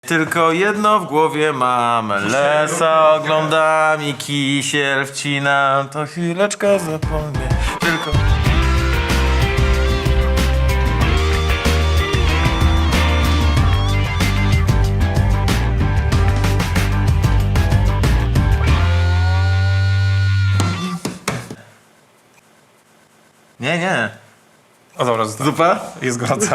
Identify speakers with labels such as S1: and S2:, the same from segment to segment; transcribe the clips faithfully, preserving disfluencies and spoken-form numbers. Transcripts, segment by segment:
S1: Tylko jedno w głowie mam, lesa oglądam i kisiel wcinam, to chwileczkę zapomnę, tylko... Nie, nie.
S2: O dobra, zostaw.
S1: Zupa?
S2: Jest gorąca.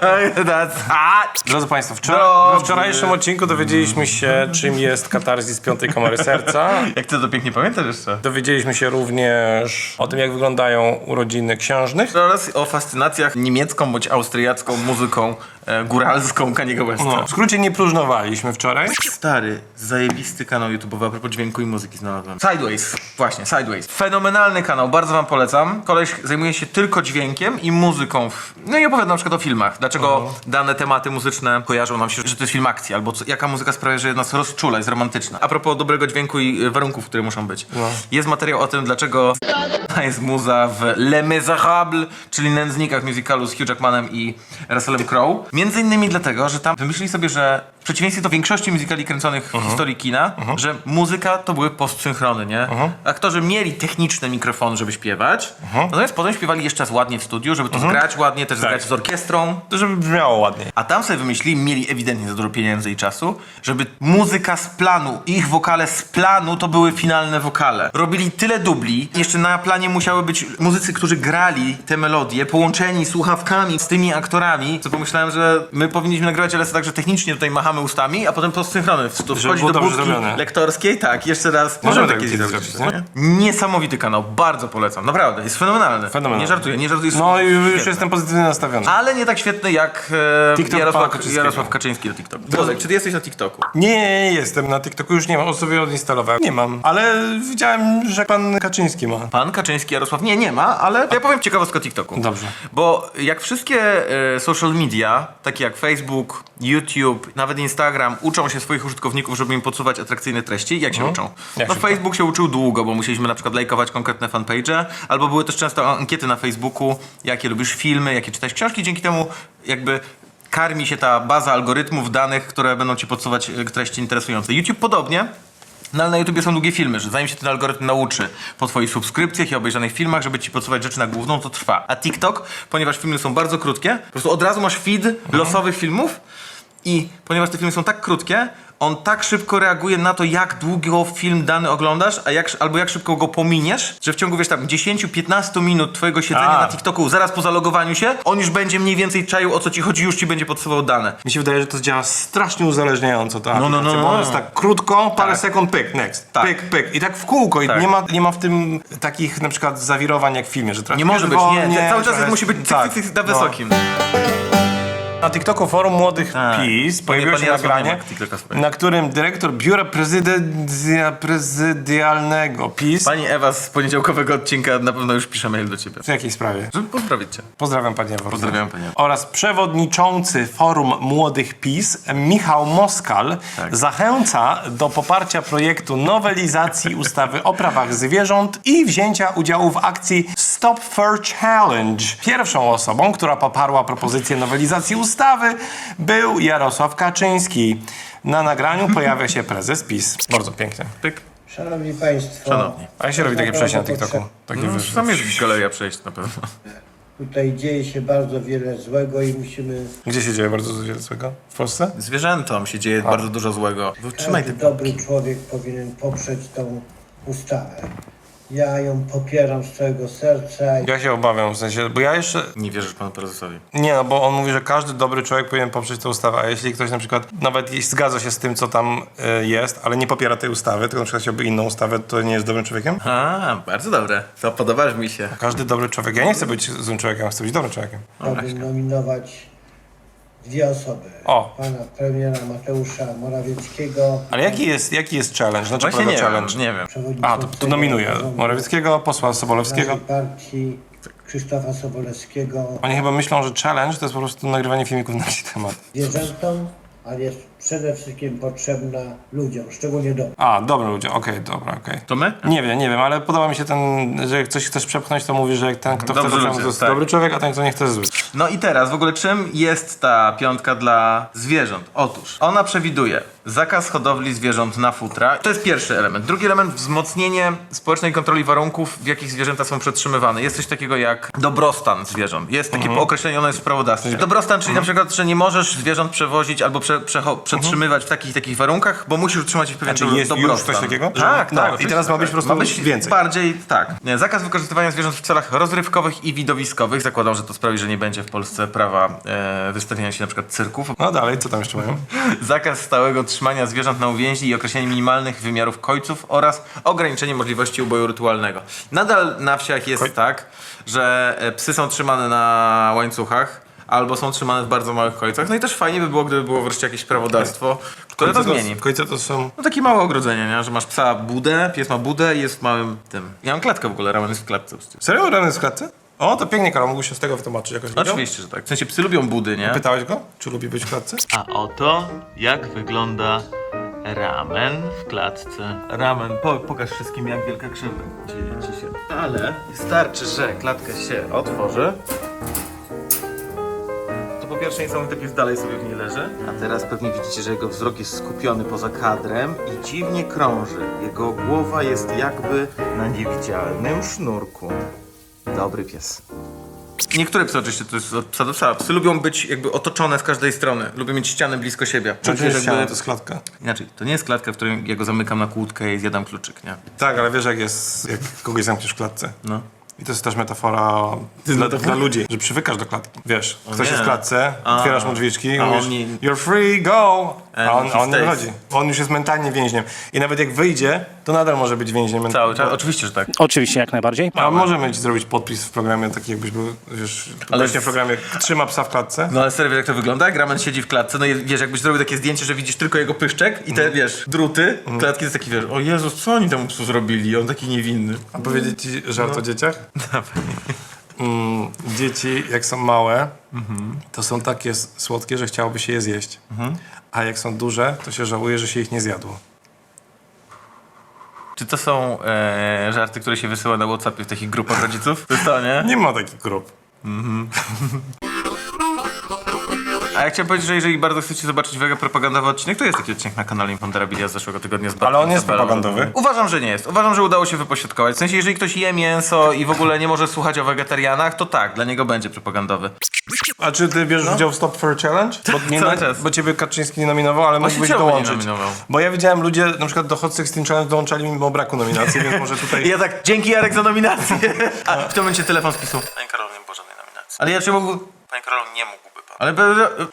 S2: Drodzy Państwo, wczoraj,
S1: Dobry.
S2: we wczorajszym odcinku dowiedzieliśmy się, czym jest katarzis piątej komory serca.
S1: Jak ty to pięknie pamiętasz jeszcze?
S2: Dowiedzieliśmy się również o tym, jak wyglądają urodziny księżnych.
S1: Oraz o fascynacjach niemiecką bądź austriacką muzyką e, góralską Kaniego Westa.
S2: No, w skrócie nie próżnowaliśmy wczoraj.
S1: Stary, zajebisty kanał YouTube'owy a propos dźwięku i muzyki znalazłem. Sideways, właśnie, Sideways. Fenomenalny kanał, bardzo wam polecam. Koleś zajmuje się tylko dźwiękiem i muzyką. W... No i opowiada na przykład o filmach. Dlaczego uh-huh. dane tematy muzyczne kojarzą nam się, że to jest film akcji, albo co, jaka muzyka sprawia, że nas rozczula, jest romantyczna. A propos dobrego dźwięku i warunków, które muszą być. No. Jest materiał o tym, dlaczego jest muza w Les Miserables, czyli Nędznikach musicalu z Hugh Jackmanem i Russellem Crowe. Między innymi dlatego, że tam wymyślili sobie, że w przeciwieństwie do większości musicali kręconych uh-huh. w historii kina, uh-huh. że muzyka to były postsynchrony, nie? Uh-huh. Aktorzy mieli techniczne mikrofony, żeby śpiewać, uh-huh. natomiast potem śpiewali jeszcze raz ładnie w studiu, żeby to uh-huh. zgrać ładnie, też tak. zgrać z orkiestrą.
S2: To żeby brzmiało ładnie.
S1: A tam sobie wymyślili, mieli ewidentnie za dużo pieniędzy i czasu, żeby muzyka z planu, ich wokale z planu to były finalne wokale. Robili tyle dubli, jeszcze na planie musiały być muzycy, którzy grali te melodie, połączeni słuchawkami z tymi aktorami, co pomyślałem, że my powinniśmy nagrywać ale tak, że technicznie tutaj machamy ustami, a potem postsynchrony. To wchodzi do budki lektorskiej, tak, jeszcze raz.
S2: Możemy
S1: takie
S2: tak
S1: zrobić, nie? Niesamowity kanał, bardzo polecam, naprawdę, jest fenomenalny.
S2: Fenomenalny.
S1: Nie żartuję, nie żartuję.
S2: No i już
S1: świetny.
S2: jestem pozytywnie nastawiony.
S1: Ale nie tak świetny jak e,
S2: TikTok
S1: Jarosław,
S2: Kaczyńskiego.
S1: Jarosław Kaczyński do TikToku. Wozek, czy ty jesteś na TikToku?
S2: Nie, nie jestem na TikToku, już nie mam, sobie odinstalowałem. Nie mam, ale widziałem, że pan Kaczyński ma.
S1: Pan Kaczyński, Jarosław nie, nie ma, ale ja powiem ciekawostkę o TikToku.
S2: Dobrze.
S1: Bo jak wszystkie e, social media, takie jak Facebook, YouTube, nawet Instagram, uczą się swoich użytkowników, żeby im podsuwać atrakcyjne treści, jak się
S2: Mhm.
S1: uczą?
S2: Jak
S1: no
S2: się
S1: Facebook się uczył długo, bo musieliśmy na przykład lajkować konkretne fanpage'e, albo były też często ankiety na Facebooku, jakie lubisz filmy, jakie czytać książki, dzięki temu jakby karmi się ta baza algorytmów danych, które będą ci podsuwać e, treści interesujące. YouTube podobnie. No ale na YouTubie są długie filmy, że zanim się ten algorytm nauczy po twoich subskrypcjach i obejrzanych filmach, żeby ci podsuwać rzeczy na główną, to trwa. A TikTok, ponieważ filmy są bardzo krótkie, po prostu od razu masz feed mhm. losowych filmów i ponieważ te filmy są tak krótkie, on tak szybko reaguje na to, jak długo film dany oglądasz, a jak, albo jak szybko go pominiesz, że w ciągu, wiesz, tam dziesięć do piętnastu minut twojego siedzenia
S2: a.
S1: na TikToku, zaraz po zalogowaniu się, on już będzie mniej więcej czaił, o co ci chodzi, już ci będzie podsuwał dane.
S2: Mi się wydaje, że to działa strasznie uzależniająco, ta
S1: No, no,
S2: aplikacja,
S1: no,
S2: bo
S1: no.
S2: on jest tak krótko, parę
S1: Tak.
S2: sekund, pyk, next,
S1: Tak.
S2: pyk, pyk i tak w kółko i
S1: Tak.
S2: nie, ma, nie ma w tym takich na przykład zawirowań jak w filmie, że trochę
S1: Nie może być,
S2: wolnie,
S1: nie, cały czas
S2: trochę-
S1: musi być cyk,
S2: tak,
S1: cyk, cyk, na
S2: no.
S1: wysokim.
S2: Na TikToku Forum Młodych
S1: Tak.
S2: PiS pojawiło
S1: Pan
S2: się
S1: Jarosław nie
S2: nagranie,
S1: ma TikToka swojego.
S2: na którym dyrektor Biura Prezydencja Prezydialnego PiS...
S1: Pani Ewa z poniedziałkowego odcinka na pewno już pisze mail do ciebie.
S2: W jakiej sprawie?
S1: Żeby pozdrowić cię.
S2: Pozdrawiam Panie Ewo.
S1: Pozdrawiam Panie Ewo.
S2: Oraz przewodniczący Forum Młodych PiS Michał Moskal
S1: Tak.
S2: zachęca do poparcia projektu nowelizacji ustawy o prawach zwierząt i wzięcia udziału w akcji Stop Fur Challenge. Pierwszą osobą, która poparła propozycję nowelizacji ustawy, był Jarosław Kaczyński. Na nagraniu pojawia się prezes PiS. Bardzo pięknie.
S1: Pyk.
S3: Szanowni Państwo,
S1: Szanowni.
S2: A jak się robi takie przejście na TikToku? Takie
S1: No,
S2: wyższe.
S1: tam jest galeria przejść na pewno.
S3: tutaj dzieje się bardzo wiele złego i musimy...
S2: Gdzie się dzieje bardzo dużo złego? W Polsce?
S1: Zwierzętom się dzieje bardzo dużo złego. Trzymaj
S3: Każdy
S1: te
S3: dobry człowiek powinien poprzeć tą ustawę. Ja ją popieram z całego serca.
S2: Ja się obawiam, w sensie, bo ja jeszcze...
S1: Nie wierzysz panu prezesowi.
S2: Nie, no bo on mówi, że każdy dobry człowiek powinien poprzeć tę ustawę, a jeśli ktoś na przykład nawet jeśli zgadza się z tym, co tam y, jest, ale nie popiera tej ustawy, tylko na przykład chciałby inną ustawę, to nie jest dobrym człowiekiem?
S1: A, bardzo dobre. To podobasz mi się.
S2: Każdy dobry człowiek, ja nie chcę być złym człowiekiem, chcę być dobrym człowiekiem.
S3: Chciałbym nominować dwie osoby.
S2: O.
S3: Pana premiera Mateusza Morawieckiego.
S2: Ale jaki jest, jaki jest challenge? Znaczy
S1: Właśnie nie
S2: challenge?
S1: wiem, nie wiem.
S2: A, to, to nominuję Morawieckiego, posła Sobolewskiego.
S3: Partii Krzysztofa Sobolewskiego.
S2: Oni chyba myślą, że challenge to jest po prostu nagrywanie filmików na jakiś temat.
S3: Zwierzętom, ale jest przede wszystkim potrzebna ludziom, szczególnie dobrym.
S2: A, dobra ludzie, okej, dobra, okej.
S1: To my?
S2: Nie wiem, nie wiem, ale podoba mi się ten, że jak coś chcesz przepchnąć, to mówisz, że jak ten, kto
S1: Dobrzy
S2: chce, to,
S1: ludzie,
S2: to jest
S1: tak.
S2: dobry człowiek, a ten, kto nie chce, to jest zły.
S1: No i teraz, w ogóle czym jest ta piątka dla zwierząt? Otóż, ona przewiduje zakaz hodowli zwierząt na futra. To jest pierwszy element. Drugi element, wzmocnienie społecznej kontroli warunków, w jakich zwierzęta są przetrzymywane. Jest coś takiego jak dobrostan zwierząt. Jest takie
S2: Mhm.
S1: określone w prawodawstwie. Dobrostan, czyli na przykład, że nie możesz zwierząt przewozić albo prze, przecho- przetrzymywać w takich i takich warunkach, bo musisz utrzymać ich pewien
S2: Znaczy jest już
S1: dobrostan.
S2: coś takiego? Że-
S1: Tak,
S2: no,
S1: tak.
S2: i
S1: oczywiście,
S2: teraz ma być
S1: tak.
S2: po prostu
S1: ma być
S2: więcej.
S1: Bardziej, tak. Nie, zakaz wykorzystywania zwierząt w celach rozrywkowych i widowiskowych. Zakładam, że to sprawi, że nie będzie w Polsce prawa e, wystawiania się na przykład cyrków.
S2: No dalej, co tam jeszcze mają?
S1: Zakaz stałego trzymania zwierząt na uwięzi i określenie minimalnych wymiarów kojców oraz ograniczenie możliwości uboju rytualnego. Nadal na wsiach jest
S2: Koj-
S1: tak, że e, psy są trzymane na łańcuchach albo są trzymane w bardzo małych kojcach. No i też fajnie by było, gdyby było wreszcie jakieś prawodawstwo, które to zmieni.
S2: Kojce to są...
S1: No takie małe ogrodzenie, nie? Że masz psa budę, pies ma budę i jest w małym tym. Ja mam klatkę w ogóle, Ramen jest w klatce.
S2: Serio? Rany w klatce? O, to pięknie, Karol, mógł się z tego wytłumaczyć jakoś. widział?
S1: Oczywiście, że tak. W sensie psy lubią budy, nie?
S2: Pytałeś go, czy lubi być w klatce?
S4: A oto jak wygląda ramen w klatce.
S1: Ramen, po, pokaż wszystkim, jak wielka krzywda dzieje ci się. Ale wystarczy, że klatka się otworzy. To po pierwsze niesamowity pies dalej sobie w niej leży. A teraz pewnie widzicie, że jego wzrok jest skupiony poza kadrem i dziwnie krąży. Jego głowa jest jakby na niewidzialnym sznurku. Dobry pies. Niektóre psy oczywiście, to jest od psa do psa. Psy lubią być jakby otoczone z każdej strony. Lubią mieć ściany blisko siebie.
S2: Czy to
S1: Znaczy,
S2: jest
S1: jakby-
S2: ściana, to jest klatka?
S1: Inaczej, to nie jest klatka, w której ja go zamykam na kłódkę i zjadam kluczyk, nie?
S2: Tak, ale wiesz jak jest, jak kogoś zamkniesz w klatce.
S1: No.
S2: I to jest też metafora dla, dla ludzi, że przywykasz do klatki. Wiesz, ktoś
S1: nie.
S2: jest w klatce,
S1: A.
S2: otwierasz mu drzwiczki i
S1: A
S2: mówisz
S1: on nie-
S2: you're free, go! A on,
S1: he
S2: a on nie
S1: stays.
S2: wychodzi. On już jest mentalnie więźniem. I nawet jak wyjdzie, to nadal może być więźniem
S1: Cały
S2: mentalnym.
S1: czas, oczywiście, że tak.
S5: Oczywiście, jak najbardziej.
S2: A możemy ci zrobić podpis w programie, taki jakbyś był, wiesz,
S1: Ale
S2: właśnie
S1: w-
S2: w programie trzyma psa w klatce.
S1: No ale serio, wiesz jak to wygląda? Jak Ramen siedzi w klatce, no i wiesz, jakbyś zrobił takie zdjęcie, że widzisz tylko jego pyszczek i te, wiesz, druty, klatki to jest taki, wiesz, o Jezus, co oni temu psu zrobili? On taki niewinny.
S2: A powiedzieć ci żart o dzieciach? Mm, dzieci, jak są małe, to są takie s- słodkie, że chciałoby się je zjeść. A jak są duże, to się żałuje, że się ich nie zjadło.
S1: Czy to są e, żarty, które się wysyła na WhatsAppie w takich grupach rodziców? To jest to, nie?
S2: Nie ma takich grup.
S1: A ja chciałem powiedzieć, że jeżeli bardzo chcecie zobaczyć wege propagandowy odcinek, to jest taki odcinek na kanale Imponderabilia z zeszłego tygodnia. Z
S2: Ale on jest
S1: Bartkiem Tabelą.
S2: propagandowy?
S1: Uważam, że nie jest. Uważam, że udało się wypośrodkować. W sensie, jeżeli ktoś je mięso i w ogóle nie może słuchać o wegetarianach, to tak, dla niego będzie propagandowy.
S2: A czy ty bierzesz udział w Stop Fur Challenge? Bo, nie
S1: Cały
S2: na-
S1: czas.
S2: bo ciebie Kaczyński nie nominował, ale mógłbyś
S1: czemu nie
S2: dołączyć.
S1: nominował?
S2: Bo ja widziałem ludzie, na przykład do Hot Sixteen Challenge dołączali mimo braku nominacji, więc może
S1: I
S2: tutaj...
S1: ja tak, dzięki Jarek za nominację. A w tym momencie telefon spisał. Panie Karol, nie było żadnej nominacji. Ale ja czy mógł... Panie Karol, nie mógłby pan. Ale... be-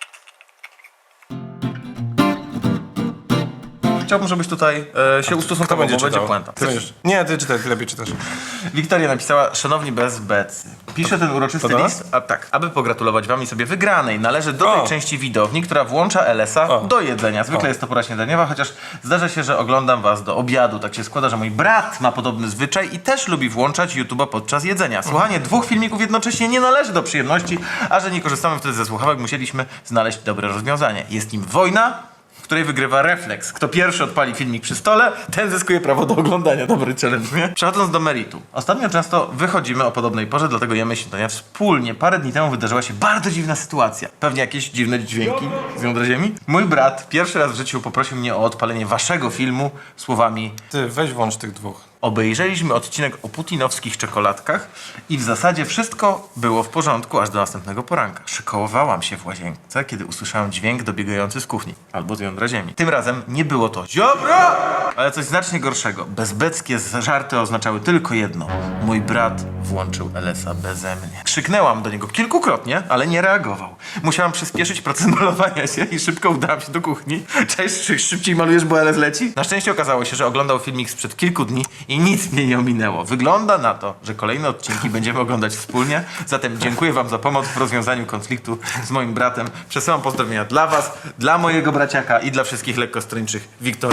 S1: Chciałbym, żebyś tutaj e, się
S2: Kto
S1: ustosunkował,
S2: będzie
S1: bo będzie
S2: czytał?
S1: puenta.
S2: Ty będziesz... Nie, ty czytaj, ty lepiej czytasz.
S1: Wiktoria napisała, szanowni bezbecy, piszę ten uroczysty
S2: to do
S1: list, a tak, aby pogratulować wam i sobie wygranej. Należy do tej
S2: O.
S1: części widowni, która włącza L S a
S2: O.
S1: do jedzenia. Zwykle
S2: O.
S1: jest to pora śniadaniowa, chociaż zdarza się, że oglądam was do obiadu. Tak się składa, że mój brat ma podobny zwyczaj i też lubi włączać YouTube'a podczas jedzenia. Słuchanie dwóch filmików jednocześnie nie należy do przyjemności, a że nie korzystamy wtedy ze słuchawek, musieliśmy znaleźć dobre rozwiązanie. Jest nim wojna, w której wygrywa refleks. Kto pierwszy odpali filmik przy stole, ten zyskuje prawo do oglądania. Dobry challenge, nie? Przechodząc do meritum. Ostatnio często wychodzimy o podobnej porze, dlatego jemy śniadania wspólnie. Parę dni temu wydarzyła się bardzo dziwna sytuacja. Pewnie jakieś dziwne dźwięki z jądra ziemi. Mój brat pierwszy raz w życiu poprosił mnie o odpalenie waszego filmu słowami:
S2: Ty, weź włącz tych dwóch.
S1: obejrzeliśmy odcinek o putinowskich czekoladkach i w zasadzie wszystko było w porządku aż do następnego poranka. Szykołowałam się w łazience, kiedy usłyszałem dźwięk dobiegający z kuchni albo z jądra ziemi. Tym razem nie było to ziobro, ale coś znacznie gorszego. Bezbeckie żarty oznaczały tylko jedno. Mój brat włączył L S a beze mnie. Krzyknęłam do niego kilkukrotnie, ale nie reagował. Musiałam przyspieszyć proces malowania się i szybko udałam się do kuchni. Cześć, czy szybciej malujesz, bo L S leci? Na szczęście okazało się, że oglądał filmik sprzed kilku dni i nic mnie nie ominęło. Wygląda na to, że kolejne odcinki będziemy oglądać wspólnie. Zatem dziękuję wam za pomoc w rozwiązaniu konfliktu z moim bratem. Przesyłam pozdrowienia dla was, dla mojego braciaka i dla wszystkich lekkostrończych. Wiktoria.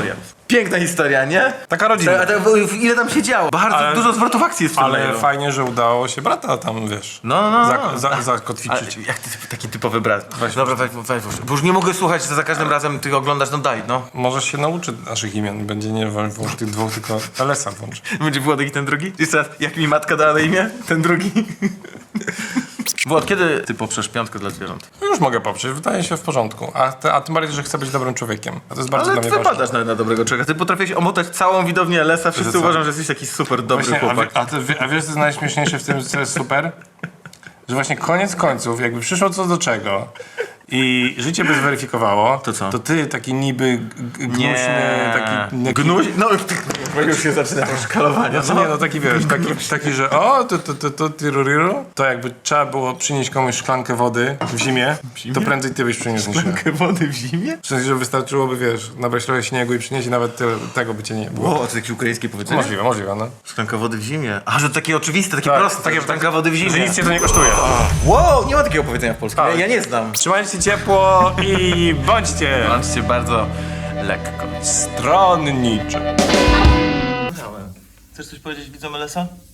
S1: Piękna historia, nie?
S2: Taka rodzina.
S1: A to, ile tam się działo? Bardzo
S2: Ale-
S1: dużo zwrotów akcji jest w tym
S2: Ale
S1: mailu.
S2: fajnie, że udało się brata tam, wiesz,
S1: No, no, no.
S2: zak- za-
S1: Ale
S2: zakotwiczyć.
S1: jak ty, taki typowy brat. Dobra, weź, weź, weź, bo już nie mogę słuchać, że za każdym razem ty oglądasz, no daj, no.
S2: Może się nauczy naszych imion. Będzie nie włącz tych dwóch, tylko L S a włącz.
S1: Będzie Włodek i ten drugi? Jeszcze raz, jak mi matka dała na imię? Ten drugi. Włod, kiedy ty poprzesz piątkę dla zwierząt?
S2: No już mogę poprzeć, wydaje się w porządku. A, te, a tym bardziej, że chcę być dobrym człowiekiem. A to jest bardzo
S1: Ale
S2: dla
S1: ty
S2: mnie ważne.
S1: wypadasz na, na dobrego człowieka. Ty potrafisz omotać całą widownię L S a. Wszyscy
S2: co?
S1: uważają, że jesteś taki super dobry
S2: Właśnie, a,
S1: chłopak.
S2: wie, a, ty, wie- a wiesz, co jest najśmieszniejsze w tym, co jest super? Że właśnie koniec końców, jakby przyszło co do czego i życie by zweryfikowało,
S1: To co?
S2: to ty taki niby g- g- gnuśny, taki... taki
S1: Gnuś? No, już się zaczyna to szkalowanie.
S2: No, nie, no taki wiesz, taki, taki że o, to, to, to, to, tyruriru, to jakby trzeba było przynieść komuś szklankę wody w zimie, to prędzej ty byś przyniósł niż ja.
S1: Szklankę wody w zimie?
S2: W sensie, że wystarczyłoby, wiesz, nabrać trochę śniegu i przynieść i nawet tyle, tego by cię nie było.
S1: O, to jakieś ukraińskie powiedzenie?
S2: Możliwe, możliwe, no.
S1: Szklanka wody w zimie. A, że takie oczywiste, takie
S2: Tak,
S1: proste.
S2: takie-
S1: szklanka wody w
S2: Że
S1: zimie.
S2: nic cię to nie kosztuje.
S1: Wow, nie ma takiego powiedzenia w polskim.
S2: Tak.
S1: Ja, ja nie znam.
S2: Trzymajcie się ciepło i bądźcie
S1: Bądźcie bardzo lekko.
S2: stronniczy.
S4: Chcesz coś powiedzieć widzom L S a?